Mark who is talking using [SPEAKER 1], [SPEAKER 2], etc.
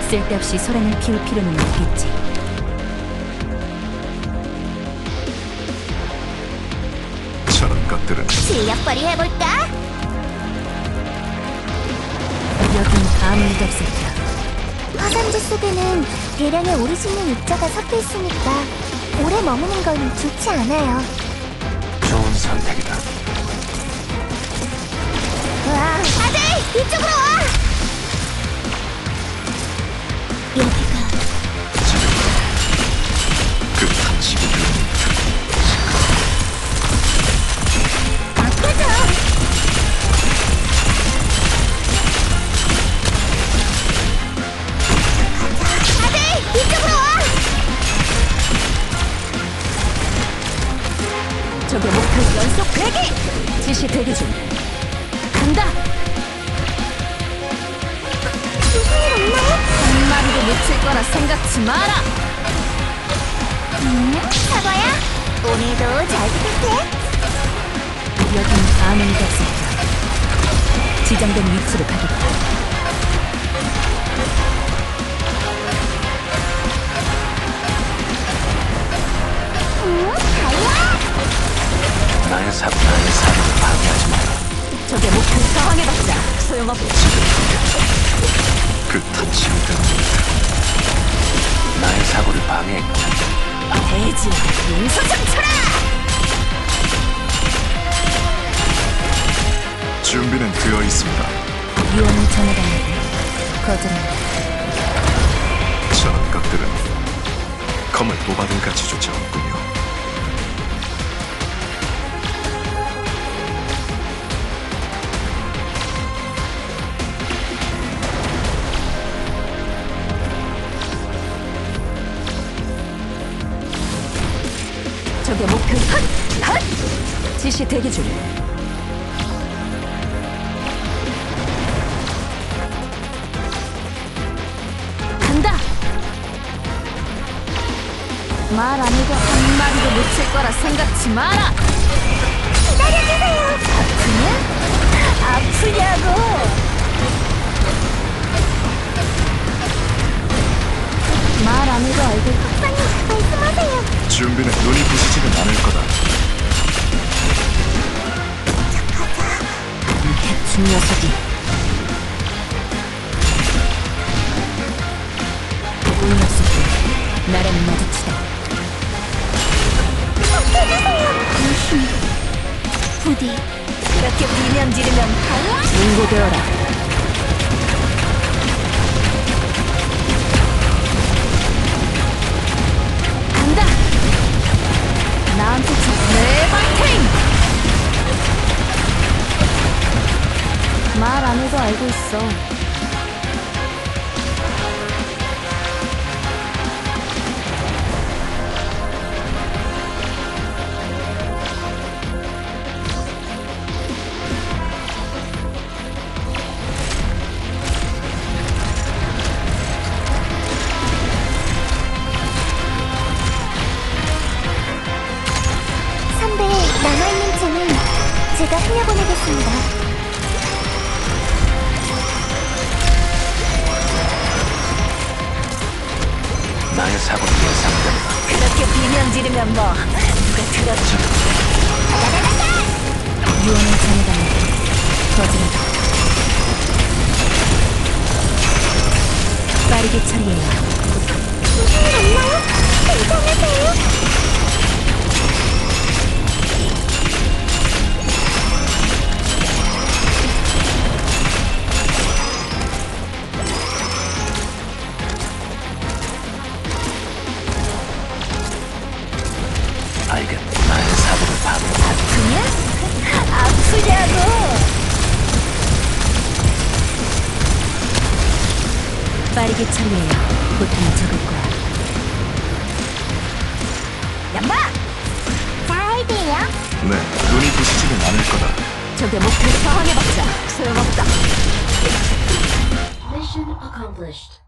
[SPEAKER 1] 쓸데없이 소란을 피울 필요는 없겠지.
[SPEAKER 2] 저런 것들은
[SPEAKER 3] 실력 발휘해볼까?
[SPEAKER 1] 여긴 아무 일도 없었다.
[SPEAKER 3] 화산재 속에는 대량의 오리지널 입자가 섞여 있으니까 오래 머무는 건 좋지 않아요.
[SPEAKER 2] 좋은 선택이다.
[SPEAKER 3] 와, 다들 이쪽으로 와! 여기가
[SPEAKER 2] 그 탐지기
[SPEAKER 3] 맡겨줘! 다들 이쪽으로 와!
[SPEAKER 1] 적의 목표 연속 대기! 지시 대기 중. 간다!
[SPEAKER 3] 무슨 일 없나요?
[SPEAKER 1] 한 마리도 놓칠 거라 생각지 마라!
[SPEAKER 3] 사과야, 오늘도 잘 부탁해.
[SPEAKER 1] 여긴 아무 일도 없었다. 지정된 위치로 가겠다.
[SPEAKER 3] 달려!
[SPEAKER 2] 나의 사고를 방해하지 마라.
[SPEAKER 1] 적의 목표 저항해봤자 소용없다.
[SPEAKER 2] 그 탐지기 나의 사고를 방해했고
[SPEAKER 1] 대지, 용서장 쳐라!
[SPEAKER 2] 준비는 되어 있습니다.
[SPEAKER 1] 유언을 전해달라고 거절한다.
[SPEAKER 2] 저런 것들은 검을 뽑아둔 가치조차 없군요.
[SPEAKER 1] 적의 목표 헛! 지시 대기 중. 간다! 말 안 해도 한 마리도 놓칠 거라 생각지 마라!
[SPEAKER 3] 기다려주세요!
[SPEAKER 1] 아프냐고! 말 안 해도 알고
[SPEAKER 3] 박사님, 말씀하세요.
[SPEAKER 2] 준비는 눈이 부시지는 않을 거다.
[SPEAKER 1] 대충 녀석이 운이 없을 때 나라는 마주치다.
[SPEAKER 3] 부디
[SPEAKER 1] 그렇게 비명 지르면 인고되어라. 간다! 나한테 내 바팅! 말 안 해도 알고 있어.
[SPEAKER 3] 선배, 남아있는 층은 제가 흘려보내겠습니다.
[SPEAKER 2] 나의 사고는 예상된다.
[SPEAKER 1] 그렇게 비명 지르면 뭐 누가 들었지? 유언을 전해달라고 거절하다. 빠르게 처리해야
[SPEAKER 3] 무슨 일 없나요? 괜찮으세요?
[SPEAKER 2] 알겠다. 나의 사고를 방해하고
[SPEAKER 1] 그냥 아프냐고. 빠르게 처리해야 고통이 적을 거야. 양마!
[SPEAKER 3] 잘 돼요.
[SPEAKER 2] 네, 눈이 부시지는 않을 거다.
[SPEAKER 1] 적의 목표 저항해봤자 소용없다.
[SPEAKER 4] Mission accomplished.